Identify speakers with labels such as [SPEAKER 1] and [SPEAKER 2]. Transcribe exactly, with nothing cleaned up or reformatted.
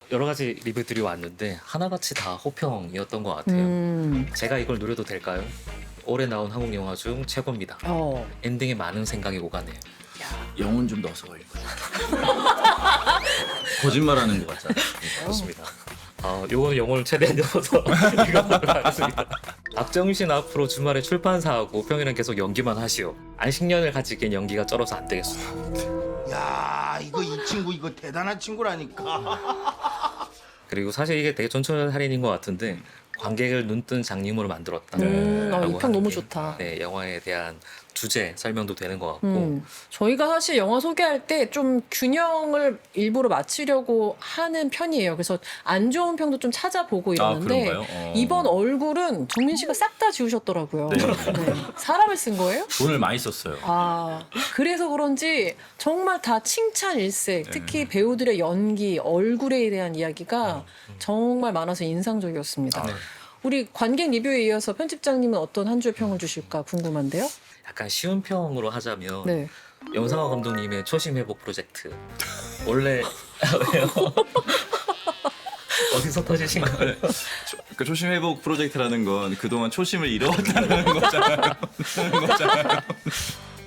[SPEAKER 1] 여러 가지 리뷰들이 왔는데 하나같이 다 호평이었던 것 같아요.
[SPEAKER 2] 음.
[SPEAKER 1] 제가 이걸 노려도 될까요? 올해 나온 한국 영화 중 최고입니다.
[SPEAKER 2] 어.
[SPEAKER 1] 엔딩에 많은 생각이 오가네요.
[SPEAKER 3] 영혼 좀 넣어서 읽어. 거짓말하는 것 같잖아.
[SPEAKER 1] 좋습니다. 어, 요거는 영혼을 최대한 넣어서 읽어보도록 하겠습니다. 박정희 씨는 앞으로 주말에 출판사하고 평일엔 계속 연기만 하시오. 안식년을 같이 깬 연기가 쩔어서 안 되겠어.
[SPEAKER 4] 야, 이거 이 친구 이거 대단한 친구라니까.
[SPEAKER 1] 그리고 사실 이게 되게 전철 할인인 것 같은데 관객을 눈뜬 장님으로 만들었다.
[SPEAKER 2] 음, 어,
[SPEAKER 1] 라고
[SPEAKER 2] 이 평
[SPEAKER 1] 하는
[SPEAKER 2] 너무
[SPEAKER 1] 게,
[SPEAKER 2] 좋다.
[SPEAKER 1] 네, 영화에 대한 주제 설명도 되는 것 같고
[SPEAKER 2] 음, 저희가 사실 영화 소개할 때 좀 균형을 일부러 맞추려고 하는 편이에요. 그래서 안 좋은 평도 좀 찾아보고 이러는데
[SPEAKER 3] 그런가요? 어.
[SPEAKER 2] 이번 얼굴은 정민 씨가 싹 다 지우셨더라고요.
[SPEAKER 3] 네.
[SPEAKER 2] 네. 사람을 쓴 거예요?
[SPEAKER 3] 돈을 많이 썼어요.
[SPEAKER 2] 아, 그래서 그런지 정말 다 칭찬 일색.
[SPEAKER 3] 네.
[SPEAKER 2] 특히 배우들의 연기, 얼굴에 대한 이야기가 정말 많아서 인상적이었습니다.
[SPEAKER 1] 네.
[SPEAKER 2] 우리 관객 리뷰에 이어서 편집장님은 어떤 한 주의 평을 주실까 궁금한데요?
[SPEAKER 1] 약간 쉬운 평으로 하자면
[SPEAKER 2] 네.
[SPEAKER 1] 영상화 감독님의 초심 회복 프로젝트 원래 왜요? 어디서 터지신 거예요?
[SPEAKER 3] 그 초심 회복 프로젝트라는 건 그동안 초심을 잃어왔다는 거잖아요. 거잖아요.